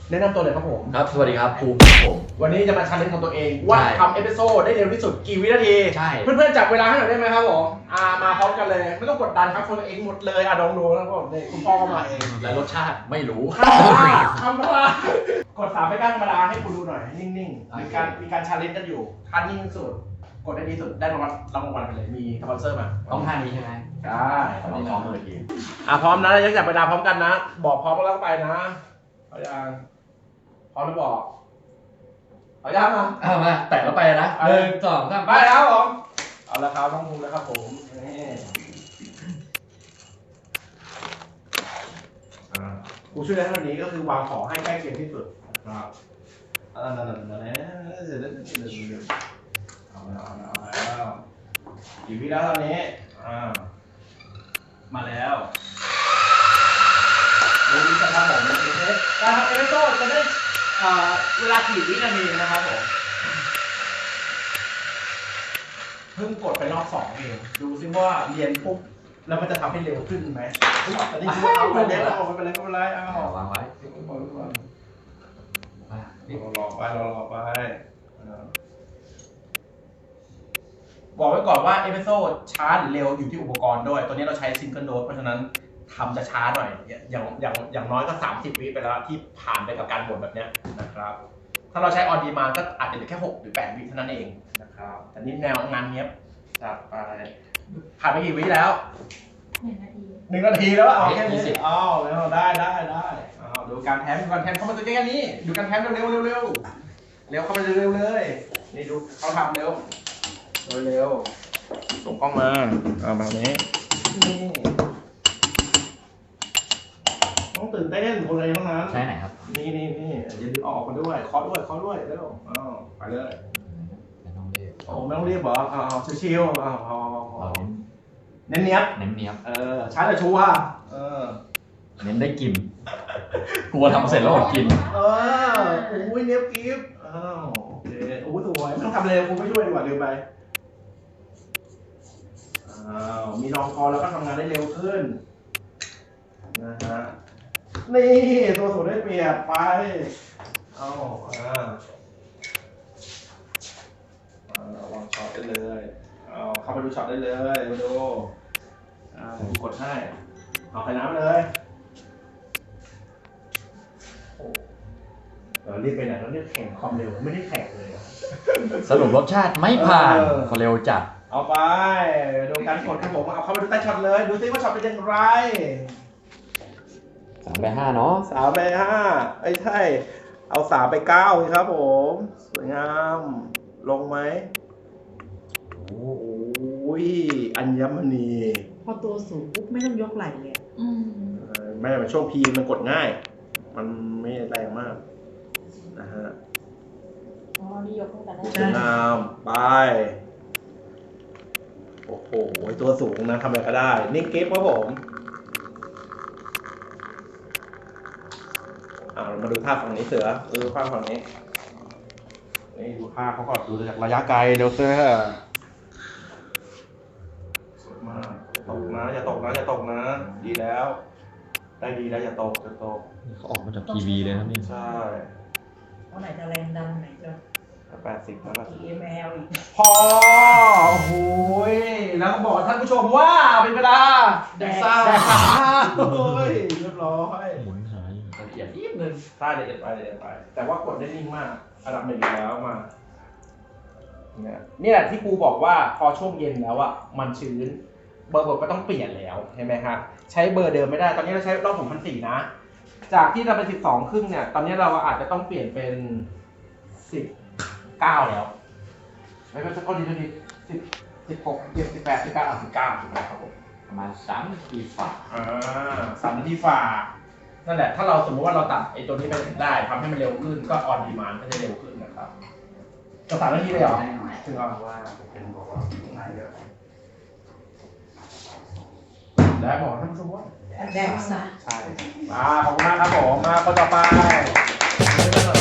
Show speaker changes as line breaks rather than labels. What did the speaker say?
แนะนำตัวเลยครับผม
ครับสวัสดีครับภูมิครับผม
วันนี้จะมาชาเลนจ์ของตัวเองว่าทำเอพิโซดได้เร็วที่สุดกี่วินาที
ใช่
เพื่อนๆจับเวลาให้หน่อยได้ไหมครับผมมาพร้อมกันเลยไม่ต้องกดดันครับคนเองหมดเลยลองดูนะครับผมนี่คุณพ่อก็มาเอง
และรสชาติไม่รู้
ทำอะไรกด3ไปก้านธรรมดาให้คุณดูหน่อยนิ่งๆมีการชาเลนจ์กันอยู่ท่านิ่งสุดกดได้ดีสุดได้รางวัลไปเลยมีสปอนเซอร์มา
ต้องท่านี้ใช่ไหม
ใช่
ต้องซ้อมเลยที
พร้อมนะยังจับเวลาพร้อมกันนะ บอกพร้อมแล้วก็ไปนะเอายังพร้อมแล้วบอกเอายังอ่ะ
เอามาแตะแล้วไปนะ
เออ
1 2 3
ไปแล้วผมเอาละครับน้องภูมิแล้วครับผมนี่กูช่วยได้เท่านี้ก็คือวางของให้ใกล้เคียงที่สุดนะครับเอาแล้วกี่วิแล้วตอนนี้มาแล้วดูนี่นะครับผมการทำเอพิโซดจะได้เวลากี่วินาทีนะครับผมเพิ่งกดไปรอบ2เองดูซิว่าเรียนปุ๊บแล้วมันจะทำให้เร็วขึ้นไหมตอนนี้เอาไปเล่นเอาไปเล่นก็ไม่เป็นไรเอา
วางไว้
รอไปบอกไว้ก่อนว่าเอพิโซดช้าหรือเร็วอยู่ที่อุปกรณ์ด้วยตัวนี้เราใช้ซิงเกิลโดสเพราะฉะนั้นทำจะช้าหน่อยอย่างน้อยก็30 วิไปแล้วที่ผ่านไปกับการบดแบบนี้นะครับถ้าเราใช้ออนดีมานก็อาจจะเหลือแค่6 หรือ 8 วิเท่านั้นเองนะครับแต่นี่แนวงานเนี้ยจัดไปผ่านไปกี่วิแล้ว 1 นาทีแล้วเอาแค่นี้แล้วได้ดูการแทมเข้ามาตัวใกล้ๆนี้ดูการแทมเร็วเข้ามาเร็วเลยนี่ดูเขาทำเร็วส่งกล้องมาแบบนี้นี่ต้องตื่นเต้นคนอะไรทั้งนั้น
ใช่ไหนครับ
นี่อย่าลืมออกมาด้วยเคาะด้วยเร็วไปเลย
ไม่ต้องเรียก
โอ้ไม่ต้องรีบเหรอชิวๆพอเน้นเนี้ยบ
เนียบ
ช้าแต่ชัวร์
เน้นได้กินกลัวทำเสร็จแล้วอดกิน
อุ้ยเนี้ยบกิฟต์โอเคโอ้สวยไม่ต้องทำเลยคุณไม่ช่วยดีกว่าลืมไปมีรองคอแล้วก็ทำงานได้เร็วขึ้นนะฮะนี่ตัวสูงได้เปรียบไปวางช็อตได้เลยเข้าไปดูช็อตได้เลยมาดูกดให้เอาไปน้ำเลยรีบไปไหนแล้วเรียกแข่งความเร็วไม่ได้แข่งเลย
สรุปรสชาติไม่ผ่านเร็วจัด
เอาไปดูการกดครับผมเอาเข้าไปดูใต้ช็อตเลยดูซิว่าช็อตเป็นยังไง
3 ไป 5เนาะ
3 ไป 5ไอ้ใช่เอา3 ไป 9ครับผมสวยงามลงไหมโอ้ยอัญมณี
พอตัวสูงปุ๊บไม่ต้องยกไหล่เลย
ไม่แต่ช่วงพีมันกดง่ายมันไม่แรงมากนะฮะ
นี่ยกตั้งแต่แรก
สวยงามไปโอ้โหตัวสูงนะทำอะไรก็ได้นิ่งเก็บครับผมเรามาดูท่าฝั่งนี้เสือท่าฝั่งนี้นี่ดูท่าเขาก่อนดูจากระยะไกลเร็วเสือสวยมากตกนะอย่าตกนะดีแล้วได้ดีแล้วอย่าตก
เขาออกมาจากทีวีเลยครับนี่
ใช่
เพราะไหนจะแรงดันไหนจะ
80แล้ว
EML อีก
พอโอ้โหแล้วก็บอกท่านผู้ชมว่าเป็นเวลาแดกซ่าโอ้ยเรียบร้อย
หมุนหาย
ละเอียดนิดนึงใช่ละเอียดไปแต่ว่ากดได้นิ่งมากอันดับ 1แล้วมาเนี่ยที่ครูบอกว่าพอช่วงเย็นแล้วอ่ะมันชื้นเบอร์บทก็ต้องเปลี่ยนแล้วใช่ไหมครับใช้เบอร์เดิมไม่ได้ตอนนี้เราใช้รอบผม1,400นะจากที่เราเป็น12 ครึ่งเนี่ยตอนนี้เราอาจจะต้องเปลี่ยนเป็น19แล้วไม่เป็นสักคนดี16 18 19ครับผม
ประมาณ3 นาทีฝ่า
3 นาทีฝ่านั่นแหละถ้าเราสมมติว่าเราตัดไอ้ตัวนี้ไปได้ทำให้มันเร็วขึ้นก็ออนดีมานด์ก็จะเร็วขึ้นนะครับจะ3 นาทีเลยเหรอถึงเอาว่าเป็นบอกว่าง่ายเยอะและบอกท่านผู้ชมว่า
แดกซะ
ใช่ขอบคุณมากครับผมมาคนต่อไป